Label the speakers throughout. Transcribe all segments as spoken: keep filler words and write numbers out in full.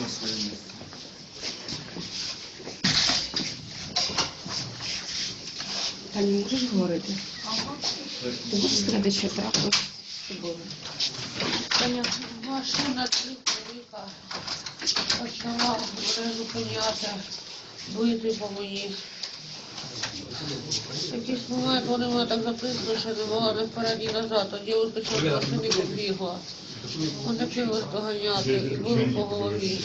Speaker 1: на своє місце.
Speaker 2: Таня, можеш говорити?
Speaker 3: Ага.
Speaker 2: Ти можеш сказати, що трапилось з тобою?
Speaker 3: Таня, машина триколика почала мене зупиняти, бити по мені. В якийсь момент вони мене так записали, що не могла не вперед, ні назад, а дівчинка що з машини побігла. Вони почали доганяти і били по голові.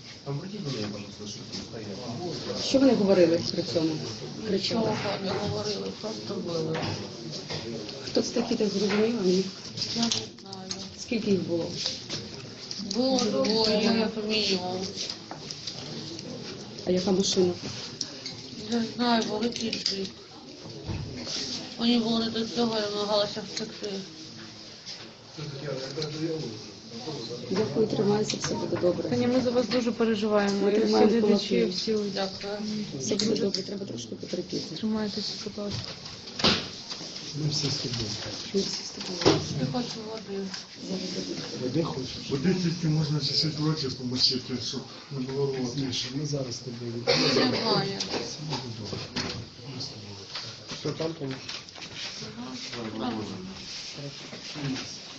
Speaker 2: Що вони говорили при цьому? Кричали.
Speaker 3: Нічого не говорили, просто били.
Speaker 2: Хто це такі, так зрозуміло? Ні.
Speaker 3: Я не знаю.
Speaker 2: Скільки їх було?
Speaker 3: Було двоє, як мінімум.
Speaker 2: А яка машина?
Speaker 3: Не знаю, великий джип. Мені було не до цього, я намагалася втекти.
Speaker 2: Дякую, тримайся, все буде добре.
Speaker 4: Таня, ми за вас дуже переживаємо.
Speaker 2: Ми
Speaker 4: І всі
Speaker 2: тримаємо
Speaker 4: глядачі,
Speaker 2: кулаки.
Speaker 4: всі
Speaker 3: Дякую.
Speaker 2: Все буде добре, треба трошки потерпіти.
Speaker 4: тримайтеся, будь ласка.
Speaker 5: Ми всі з тобою.
Speaker 2: Ми всі з тобою.
Speaker 3: Я хочу води.
Speaker 5: Води хочеш?
Speaker 6: Води тільки можна чуть-чуть в роті помочити, щоб не було рвоти.
Speaker 5: Міша, ми зараз з тобою.
Speaker 3: Немає.
Speaker 5: Все буде добре. Ми з тобою. Що там, Тоня?
Speaker 3: Ага.
Speaker 6: Ладно, ладно.